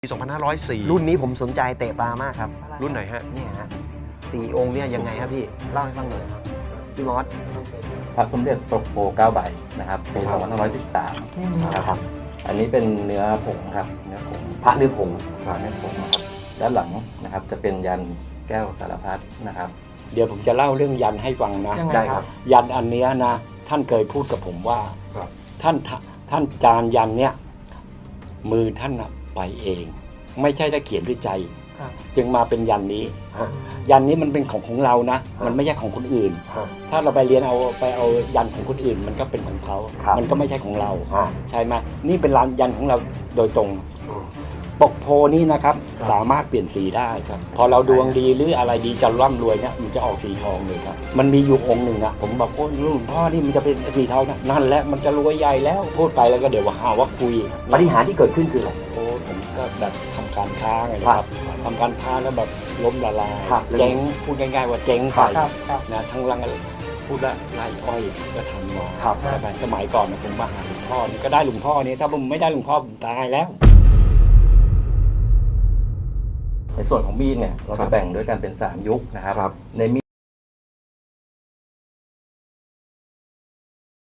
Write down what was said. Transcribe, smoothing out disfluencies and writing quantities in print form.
ปี 2504 รุ่นนี้ผมสนใจเตะปลามากครับรุ่นไหนฮะเนี่ยฮะ4 องค์เนี่ยยังไงครับพี่เล่าให้ฟังหน่อยพี่มอสพระสมเด็จตกโพ9 ใบนะครับปีครับ 2513นะครับอันนี้เป็นเนื้อผงครับเนื้อผงพระเนื้อผงเนื้อผงนะครับด้านหลังนะครับจะเป็นยันแก้วสารพัดนะครับเดี๋ยวผมจะเล่าเรื่องยันให้ฟังนะได้ครับยันอันเนี้ยนะท่านเคยพูดกับผมว่าครับท่านจานยันเนี้ยมือท่านน่ะไปเอง ไม่ใช่ได้เขียนด้วยใจ จึงมาเป็นยันนี้ ยันนี้มันเป็นของเรานะ มันไม่ใช่ของคนอื่นครับถ้าเราไปเรียนไปเอายันของคนอื่น มันก็เป็นของเขาครับมันก็ไม่ใช่ของเราอ่าใช่ไหมนี่เป็นยันของเราโดยตรง ปกโพนี่นะครับครับสามารถเปลี่ยนสีได้ครับ พอเราดวงดีหรืออะไรดีจะร่ำรวยเนี่ยมันจะออกสีทองเลยครับ มันมีอยู่องค์หนึ่งอะผมบอกโอ้หลวงพ่อนี่มันจะเป็นสีทองนะนั่นแหละมันจะรวยใหญ่แล้วพูดไปแล้วก็เดี๋ยวว่าหาว่าคุยปฏิหารย์ที่เกิดขึ้นคืออะไรโอ้ผมก็แบบทำการค้าไงนะครับทำการค้าแล้วแบบล้มละลายครับเจ๊งพูดง่ายๆว่าเจ๊งไปครับนะทั้งรังพูดละไร่อ้อยก็ทำมาครับใช่ไหมสมัยก่อนนะผมมาหาหลวงพ่อนี่ก็ได้หลวงพ่อนี่ถ้าผมไม่ได้หลวงพ่อผมตายแล้วในส่วนของมีดเนี่ยเราจะแบ่งด้วยกันเป็น3 ยุคนะครับครับในมีด